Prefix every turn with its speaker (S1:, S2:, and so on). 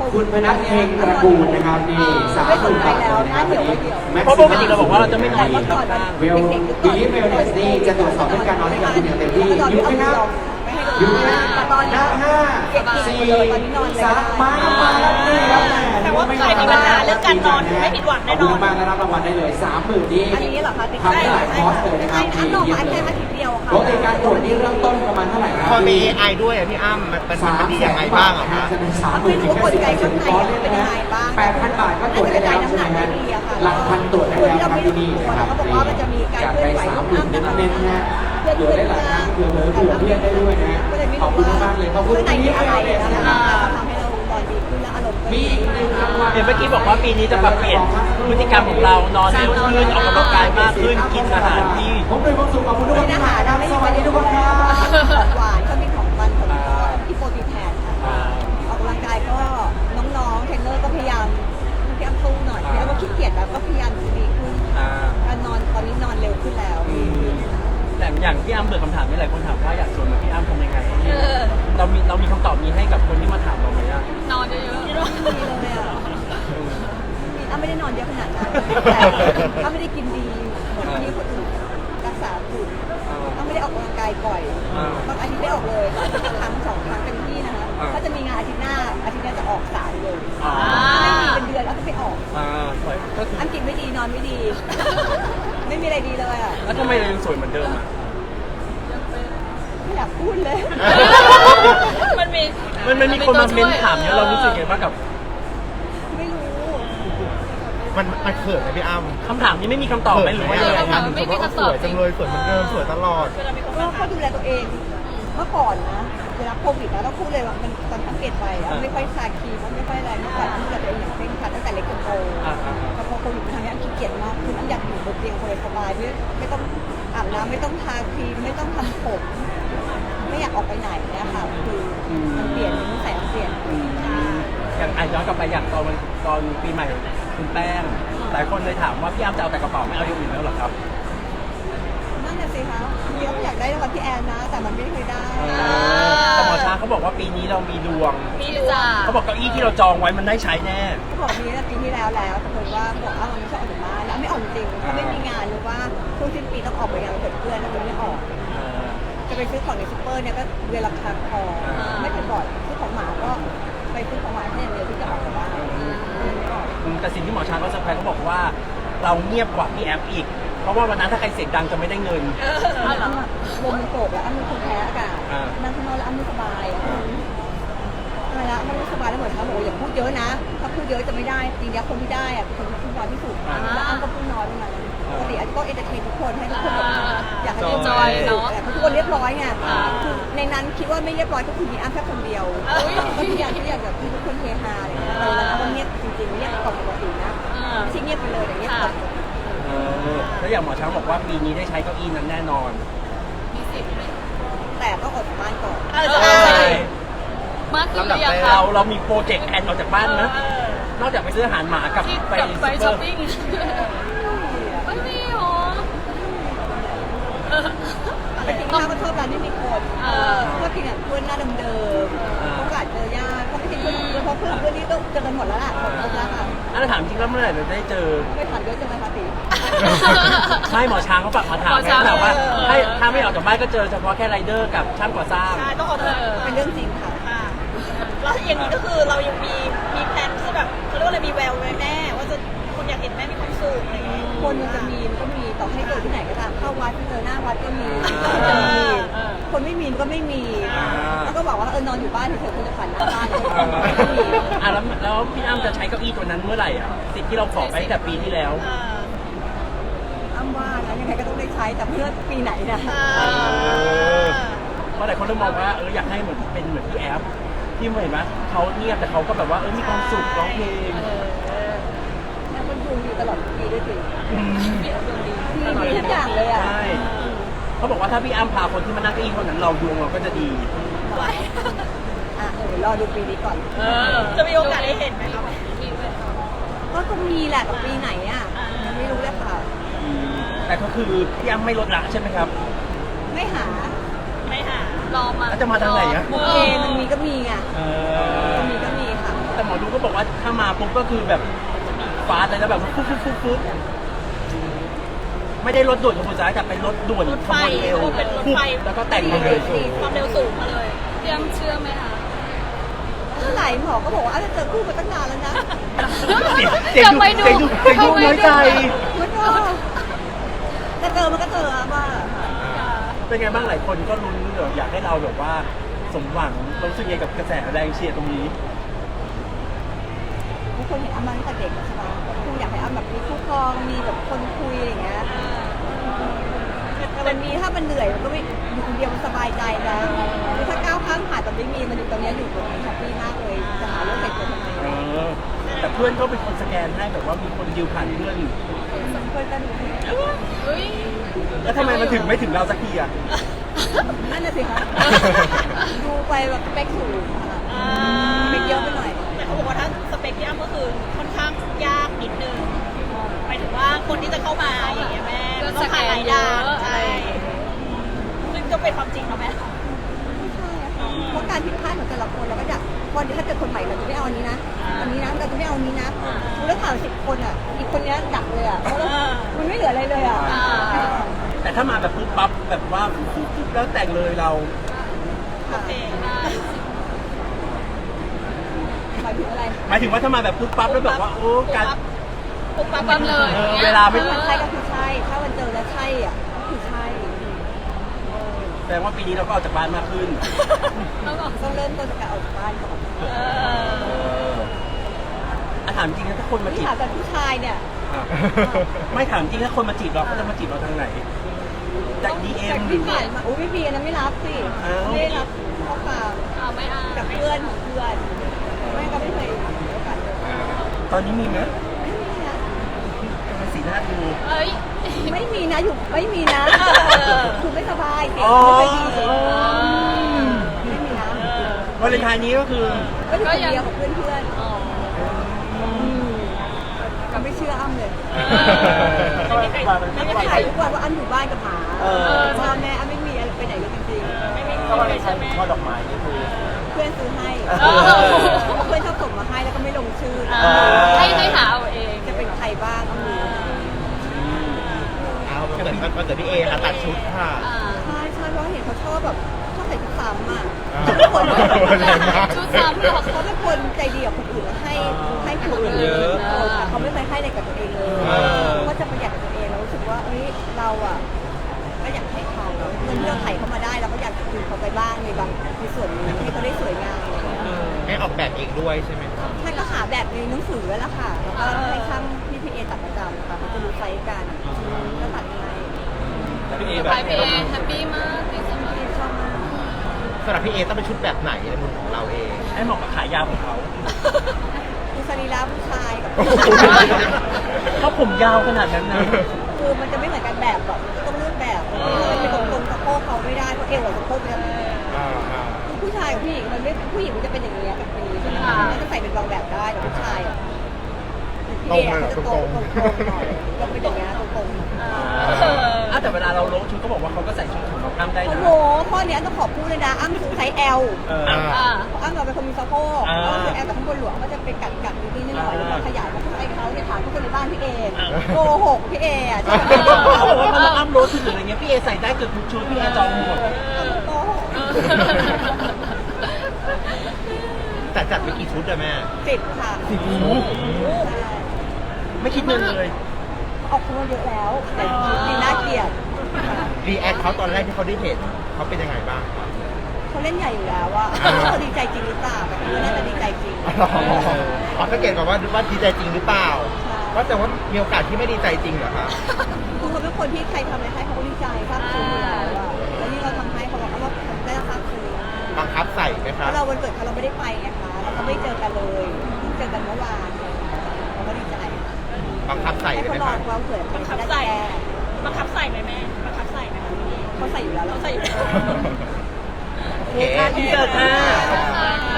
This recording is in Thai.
S1: คุณพนัทเฮงตระกูลนะครับนี่30,000 บาทเลยนะครับวันนี้
S2: เพราะปกติเราบอกว่าเราจะไม่นอนอีกครับ
S1: เวลบิลิฟเวลเนสนี่จะตรวจสอบเรื่องการนอนให้กับคุณอย่างเต็มที่อยู่ไหมครับอยู่ไหมครับ5 4 3มาแล้วนี่ครับ
S3: แต่ว่าใครมีปัญหาเรื่องการนอนไม่ผิดหวังแน่นอน
S1: ขอบคุณมากรับรางวัลได้เลย 30,000 นี้
S3: อันนี้เหรอคะ
S1: ทำได้หลายคอร์สเลยนะครับ
S3: อันนอกมาแค่อาทิตย์เดียวค่ะ
S1: ปกติการตรวจนี่เริ่มต้นประมาณเท่าไหร่ครับ
S4: พอมีไอด้วยอะพี่อ้ำมันดียังไงบ้างอะคะ
S1: จะเป็น30,000ถึง10,000คอร์สเนี่ยนะฮะ8,000 บาทก็ตรวจได้แล้วใช่ไหมฮะหลักพันตรวจได้แล้วครับที่นี่นะครับจัดไป30,000เน้นๆนะฮะตรวจได้หลายครั้งเผื่อเพื่อนได้ด้วยนะฮะขอบคุณมากเลยขอบคุณที่นี่อะไรเลยนะฮะ
S3: ทำให้เรานอนดีขึ้นและอารมณ์ก็
S1: มี
S3: ดี
S1: อีกหนึ่งรางวัล
S2: เห็นเมื่อกี้บอกว่าปีนี้จะปรับเปลี่ยนพฤติกรรมของเรานอนเร็วขึ้นออกกำลังกายมากขึ้นกินอาหารที่
S1: ผมเป็นความสุขขอบคุณทุกคนที่มาครับสวัสดีทุกคนครับ
S3: หวานก็มีของมันของที่โปรตีนแทนค่ะออกกำลังกายก็น้องๆเทรนเนอร์ก็พยายามสู้หน่อยแล้วก็ขี้เกียจแล้วก็พยายามดีขึ้นการนอนตอนนี้นอนเร็วขึ้นแล้ว
S2: แต่อย่างพี่อ้ำเปิดคำถามนี่หลายคนถามว่าอยากชวนเหมือนพี่อ้ำทำยังไงเรามีคำตอบนี้ให้กับคนที่มาถามเราไหมอ่ะ
S5: นอนเยอะ
S3: มีเลยอ่ะอ้าไม่ได้นอนเยอะขนาดนั้นอ้าไม่ได้กินดีเหมือนที่คนอื่นรักษาคุณอ้าไม่ได้ออกกำลังกายบ่อยบางอาทิตย์ได้ออกเลยครั้ง2 ครั้งเต็มที่นะคะถ้าจะมีงานอาทิตย์หน้าจะออก3เลยไม่มีเป็นเดือนแล้วก็ไปออก
S2: ก็คือ
S3: อันกินไม่ดีนอนไม่ดี ไม่มีอะไรดีเลยอ่ะ
S2: แล้วทำไมเรายังสวยเหมือนเดิมอ่ะ
S3: ไม่อยากพูดเลย
S5: ๆมันมี
S2: มันมีคนมาเม้นถามเยอะเรารู้สึกยังไงบ้างกับ
S3: ไม่รู้
S4: มันเขินไหมพี่อ้ำ
S2: คำถามนี้ไม่มีคำตอบไหมหรือว่ายังไง
S4: งานถึงว่าสวยจังเลยสวยเหมือนเดิมสวยตลอด
S3: ก็ดูแลตัวเองเมื่อก่อนนะเวลาโควิดนะต้องพูดเลยว่ามันตอนสังเกตไปไม่ค่อยทาครีมไม่ค่อยอะไรเมื่อก่อนดูแลตัวเองอย่างเคร่งครัดตั้งแต่เล็กจนโตแต่พอโควิดมาทำนี้ขี้เกียจมากคืออันอยากอยู่บนเตียงสบายๆไม่ต้องอาบน้ำไม่ต้องทาครีมไม่ต้องทำผมไม่อยากออกไปไหนเนี่ยค่ะคือมันเปลี่ยนนิสัยมันเปลี่ยน
S2: อย่างย้อนกลับไปอย่างตอนปีใหม่คุณแป้งหลายคนเลยถามว่าพี่อ้ำจะเอาแต่กระเป๋าไม่เอาอย่างอื่นแล้วหรอครับ
S3: นั่นน่ะสิคะจริงๆก็อยากได้รางวัลพี่แอนนะแต่มันไม่เคยได้
S2: แต่หมอช้างเขาบอกว่าปีนี้เรามีดวง
S5: มีจ้า
S2: เขาบอกเก้าอี้ที่เราจองไว้มันได้ใช้แน่
S3: เขาบอกมีตั้งปีที่แล้วแต่เพิ่นว่าบอกมันไม่ชอบออกจากบ้านแล้วไม่ออกจริงถ้าไม่มีงานหรือว่าช่วงสิ้นปีต้องออกไปงานเพื่อนแล้วมันไม่ออกจะไปซื้อของในซุปเปอร์เนี่ยก็เดือนละครั้งพอไม่เป็นบ่อยซื้อของหมาก็ไปซื้อของหมาแค่อย่างเดียวที่จะออกจากบ้านไม่ออก
S2: แต่สิ่งที่หมอช้างเขาเซอร์ไพรส์เขาบอกว่าเราเงียบกว่าพี่แอฟอีก เพราะว่าวันนั้นถ้าใครเสียงดังจะไม่ได้เงิน
S3: อ้ำลมมันโกรกแล้วอ้ำเป็นคนแพ้อากาศนั่งข้างนอกแล้วอ้ำไม่สบายทำไมล่ะอ้ำไม่สบายแล้วเหมือนเขาบอกอย่าพูดเยอะนะถ้าพูดเยอะจะไม่ได้จริงๆคนที่ได้อะเป็นคนที่พูดน้อยที่สุดแล้วอ้ำก็พูดน้อยประมาณนั้นปกติอาจจะต้องเอนเตอร์เทนทุกคนให้ทุกคนแบบอยากให้ทุกคนแต่ทุกคนเรียบร้อยไงคือในนั้นคิดว่าไม่เรียบร้อยก็คือมีอ้ำแค่คนเดียวก็ทุกอย่างแบบทุกคนเฮฮาอะไรอย่างเงี้ยแต่เราก็เงียบจริงๆเงียบกว่าปกตินะไม่ใช่เงียบไปเลยแต่เงียบกว่า
S2: แล้วอย่างหมอช้างบอกว่าปีนี้ได้ใช้เก้าอี้นั้นแน่นอน
S5: มีสิบไหม
S3: แต่ต้องออกจากบ้านก่อน
S5: ใช่มากขึ้นหรือยังคะ
S2: เรามีโปรเจกต์แอนออกจากบ้านนะนอกจากไปซื้ออาหารหมากับ
S5: ที่
S2: ไป
S5: ไป
S2: ซุ
S5: ช้อ
S2: ป
S5: ป
S2: เปอ
S5: ปิ้ง
S2: ร์
S5: ไม่มีหรอ
S3: ไปกินข้าวก็ชอบร้านที่มีคนก็กินกับเพื่อนหน้าเดิมๆโอกาสเจอยากก็ไม่ใช่เพื่อนเพราะเพื่อนนี่ต้องเจอกันหมดแล้วล่ะหมดแล้วค่ะ
S2: อันนั้นถามจริงแล้วเมื่อไหร่เราจะได้เจอ
S3: ไม่ผ่านเยอะจังเลยค่ะตี
S2: ใช่หมอช้างเขาฝากมาถามแค่ถามว่าถ้าไม่ออกจากบ้านก็เจอเฉพาะแค่ไรเดอร์กับช่างก่อสร้าง
S3: ใช่ต้องออกเป็นเรื่องจริงค่ะ
S6: แล้วอย่างนี้ก็คือเรายังมีแพลนที่แบบเขาเรียกว่าอะไรมีแววไว้แม่ว่าจะคุณอยากเห็นแม่มีความสุขอะไรอย่างเงี้ย
S3: คนมันจะมีมันก็มีต่อให้เจอที่ไหนก็ตามเข้าวัดเจอหน้าวัดก็มีจะมีคนไม่มีก็ไม่มีแล้วก็บอกว่า นอนอยู่บ้านเฉยๆคุณจะฝันหน้าบ้าน
S2: แล้วพี่อ้ำจะใช้เก้าอี้ตัวนั้นเมื่อไหร่อ่ะสิทธิ์ที่เราขอไปตั้งแต่ปีที่แล้ว
S3: อ้ำว่านะยังไงก็ต้องได้ใช้แต่เพื่อปีไหนนะ
S2: เพราะหลายคนเริ่มมองว่าอยากให้เหมือนเป็นเหมือนพี่แอฟที่เห็นไหมเขาเงียบแต่เขาก็แบบว่ามีความสุขร้องเพลง
S3: แล้วมันดูอยู่ตลอดปีด้วยสิมีทุกอย่างเลยอ่ะ
S2: ใช่เขาบอกว่าถ้าพี่อ้ำพาคนที่มานั่งเก้าอี้คนนั้นเราดวงเราก็จะดี
S3: รอดูปีนี้ก่อน
S6: จะมีโอกาสได้เห็นไหมครับ
S3: ก็ต้องมีแหละกับปีไหนอ่ะยังไม่รู้เลยค่ะ
S2: แต่ก็คือพี่อ้ำไม่ลดละใช่ไหมครับ
S3: ไม่หา
S6: ไม่หา
S5: รอมา
S2: แล้วจะมาทางไหนอะ
S3: โอเคมันมีก็มีไงมันมีก็มีค่ะ
S2: แต่หมอดูก็บอกว่าถ้ามาปุ๊บก็คือแบบฟาสเลยแล้วแบบฟุ๊บไม่ได้รถด่วนขบวนซ้ายแต่เป็นรถด่วน
S6: รถ
S2: ข
S6: ไฟ
S2: บวนเร็ว
S6: เป็นรถ
S2: ปุ๊บ
S6: ไฟ
S2: แล้วก็แต่งเลย
S6: ความเร็วสูงมาเลย
S5: พี่อ้ำเชื่อไหมคะ
S3: เมื่อไหร่หมอก็บอกว่าจะเจอคู่มาตั้งนานแล้วนะ
S2: เสียงดูน้อยใจ
S3: มันก็จะเจอมันก็เจอว่า
S2: เป็นไงบ้างหลายคนก็ลุ้นอยากให้เราแบบว่าสมหวังรู้สึกยังไงกับกระแสแรงเชียร์ตรงนี้
S3: ทุกคนเห็นอ้ำมาตั้งแต่เด็กใช่ไหมคงอยากให้อ้ำแบบมีคู่ครองมีแบบคนคุยอะไรอย่างเงี้ยแต่มันมีถ้ามันเหนื่อยมันก็ไม่อยู่คนเดียวมันสบายใจนะคือถ้าก้าวข้ามผ่านตอนไม่มีมันอยู่ตรงนี้อยู่ตรงนี้แฮปปี้มากเลยจะหาเรื่องเหตุผลทำไม
S2: แต่เพื่อนก็เป็นคนสแกนให้แบบว่ามีคนดิวผ่านเพื่อน
S3: เพื่อนก็ดู
S5: เฮ้ย
S2: แล้วทำไมมันถึงไม่ถึงเราสักทีอ่ะ
S3: นั่นน่ะสิคะดูไปแบบสเปคสูงไม่เยอะไปหน่อย
S6: แต่เขาบอกว่าถ้าสเปคพี่อ้ำก็คือค่อนข้างยากนิดนึงหมายถึงว่าคนที่จะเข้ามาอย่างเงี้ยแม่มันต้องผ่านหลายด่านใช่ซึ่งก็เป็นความจริงเนาะแม่
S3: ไม่ใช่อะค่ะเพราะการผิดพลาดของแต่ละคนเราก็อยากวันนี้ถ้าเกิดคนใหม่เราจะไม่เอาอันนี้นะอันนี้นะเราจะไม่เอาอันนี้นะแล้วถาม10 คนอ่ะอีกคนนี้ดักเลยอ่ะเพราะมันไม่เหลืออะไรเลยอ่ะ
S2: แต่ถ้ามาแบบปุ๊บปั๊บแบบว่าปุ๊บแล้วแต่งเลยเรา
S6: โอเค
S3: หมายถึงอะไร
S2: หมายถึงว่าถ้ามาแบบปุ๊บปั๊บแล้วแบบว่าโอ้การ
S6: ปุ๊บปั๊บ
S5: ปั๊บเลย
S2: เวลาไม่
S3: มันใช่ก็คือใช่ ถ้ามันเจอแล้วใช่อ่ะก็คือใช่
S2: แสดงว่าปีนี้เราก็ออกจากบ้านมากขึ้น
S5: แล้วก็
S3: ต้องเริ่มต้นจากการออกจากบ้านก่อน
S2: ถามจริงนะถ้าคนมา
S3: ที่
S2: จีบ
S3: ถามจากผู้ชายเนี่ย
S2: ไม่ถามจริงถ้าคนมาจีบเราเขาจะมาจีบเราทางไหนจากดีเอ็
S3: จาม ก
S2: หรื
S3: ที่
S2: อ
S3: ผ่านมาอุ้ยไม่มีอันนั้นไม่รับสิ
S2: อ้าว
S3: ไม่ได้รับข้อความ
S5: เอาไม่เอา
S3: จากเพื่อนของเพื่อนแม่ก็ไม่เคยมีโอกาสเจอ
S2: ตอนนี้มีไหม
S3: ไม่มีนะ
S2: ทำไมสีหน้าดู
S5: เอ้ย
S3: ไม่มีนะอยู่ไม่มีนะคือไม่สบายเด็ก
S2: อ๋อ
S3: ไม่ดีไม่มีนะ
S2: วาเลนไทน์นี้ก็คือ
S3: ก็อยู่คนเดียวกับเพื่อน
S5: อ๋อ
S3: ๆก็ไม่เชื่ออ้ำเลย
S6: ไม่มีใครไม่มี
S3: ถ่า
S6: ใคร
S3: ยทุกวันว่าอ้ำอยู่บ้านกับหมา
S2: เออ
S3: พ่อแม่อ้ำไม่มีอะไรไปไหนเลยจริง
S6: ไม่มี
S2: ก็วาเล
S6: ใคร
S2: นไท
S6: ใช่
S2: น์
S6: ไหม
S2: ช่อดอกไม้นี่คือ
S3: ๆเพื่อนซื้อให้
S2: เออ
S3: เพื่อนชอบส่งมาให้แล้วก็ไม่ลงชื่อ
S5: ให้หาเอาเอง
S3: จะเป็นใครบ้างอ้ำรู้
S4: เอาเหมือนวันเกิดพี่เอค่ะตัดชุดค่ะ
S5: อ่า
S3: ใช่ใช่เพราะเห็นเขาชอบแบบชอบใส่ชุดซ้ำอ่ะ
S4: อ่า
S3: เขาเป็นคน
S4: แรงมาก
S5: ชุดซ้ำเหรอ
S3: เขาเป็นคนใจดีกับคนอื่นแล้วให้คนอื่น
S2: เยอะ
S3: แต่เขาไม่เคยให้อะไรกับตัวเองเลย
S4: อ่า
S3: ก็จะประหยัดกับตัวเองแล้วรู้สึกว่าเอ้ยเราอ่ะก็อยากให้เขาเงินที่เราไถ่เข้ามาได้เราก็อยากจะคืนเขาไปบ้างในบางในส่วนนี้ให้เขาได้สวยงามอะไรอย่างเงี้ย
S4: ให้ออกแบบเองด้วยใช่ไหมครับ
S3: ท่านก็หาแบบในหนังสือแล้วล่ะค่ะแล้วก็ให้ช่างพี่เอตัดประจำค่ะเขาจะรู้ไซส์กันก็ตัดให้
S2: พี่เอแบ
S5: ไป
S2: บ
S5: พี่เอแฮปปี้มากดีจังเลย
S3: ชอบมาก
S4: สำหรับพี่เอต้องเป็นชุดแบบไหนในมุมของเราเอง
S2: ให้เหมาะกับขายาวของเขา
S3: คือสรีระผู้ชายกับ
S2: เขาผมยาวขนาดนั้นนะ
S3: คือมันจะไม่เหมือนกันแบบแบบมันก็ต้องเลือกแบบเป็นตรงๆสะโพกเขาไม่ได้เพราะเอวกับสะโพกเนี่ย ผู้ชายกับผู้หญิงมันไม่ผู้หญิงมันจะเป็นอย่างนี้กับอย่างนี้ใช่ไหมคะมันจะใส่เป็นบางแบบได้แต่ผู้ชายอ่ะพี่เอเขาจะตรงหน่อยก็เป็นอย่างนี้ตรงๆ
S2: แต่เวลาเราลงชุดเขาบอกว่าเขาก็ใส่ชุดของน้องอ้ำได้
S3: โอ้
S2: นะ
S3: โหข้อนี้ต้องขอบพูดเลยนะอ้ำซื้อไซส์ L
S5: อ่า
S3: อ้ำเราเป็นคนมีสะโพกอ้ำซื้อ L แต่ข้างบนหลวงก็จะเป็นกัดนิดหน่อยแล้วก็ขยายมาไซส์เขาเนี่ยถามทุกคนในบ้านพี่เอโกหกพี่เออ่ะใช่ไหม
S2: เขาบอกว่าพอน้องอ้ำโรสชุดหรืออะไรเงี้ยพี่เอใส่ได้เกือบทุกชุดพี่เอจองหมด
S3: โกหก
S4: แต่จัดไปกี่ชุดอะแม่
S3: 10 ค่ะ
S2: ไม่คิดเงินเลย
S3: ออกมาเยอะแล้วแต่ชุดนี้น่าเกลียด
S4: รีแอคเขาตอนแรกที่เขาได้เห็นเขาเป็นยังไงบ้างครับ
S3: เขาเล่นใหญ่อยู่แล้วว่าเขาดีใจจริงหรือเปล่าแต่คือน่าจะดีใจจริง
S4: อ๋อสังเกตก่อนว่าดีใจจริงหรือเปล่า
S3: ใช่
S4: ว่าแต่ว่ามีโอกาสที่ไม่ดีใจจริงเหรอครับ
S3: คือเขาเป็นคนที่ใครทำอะไรให้เขาก็ดีใจซาบซึ้งอยู่แล้วอะแล้วนี่เราทำให้เขาบอกว่าเขาได้ซาบซึ้ง
S4: บังคับใส่ไหมค
S3: เพ
S4: รับ
S3: ราะเราวันเกิดเขาเราไม่ได้ไปไงคะแล้วก็ไม่เจอกันเลยเพิ่งเจอกันเมื่อวานเราก็ดีใจ
S4: บังคับใส่
S3: ให้
S4: เลย
S3: เขา
S4: ไหม
S3: ล
S4: ค
S3: อ
S4: รับ
S3: งความเกิด
S6: บังคับ
S3: ได้
S6: ใส่
S3: แก้
S6: บังคับใส่ไหมแม่บังคับใส่ไหมคะพี่
S3: เขาใส่อยู่แล้ว
S6: เราใส่อยู่แล้ว
S4: โอเค
S2: อินเสิร์ตค่ะ
S3: ข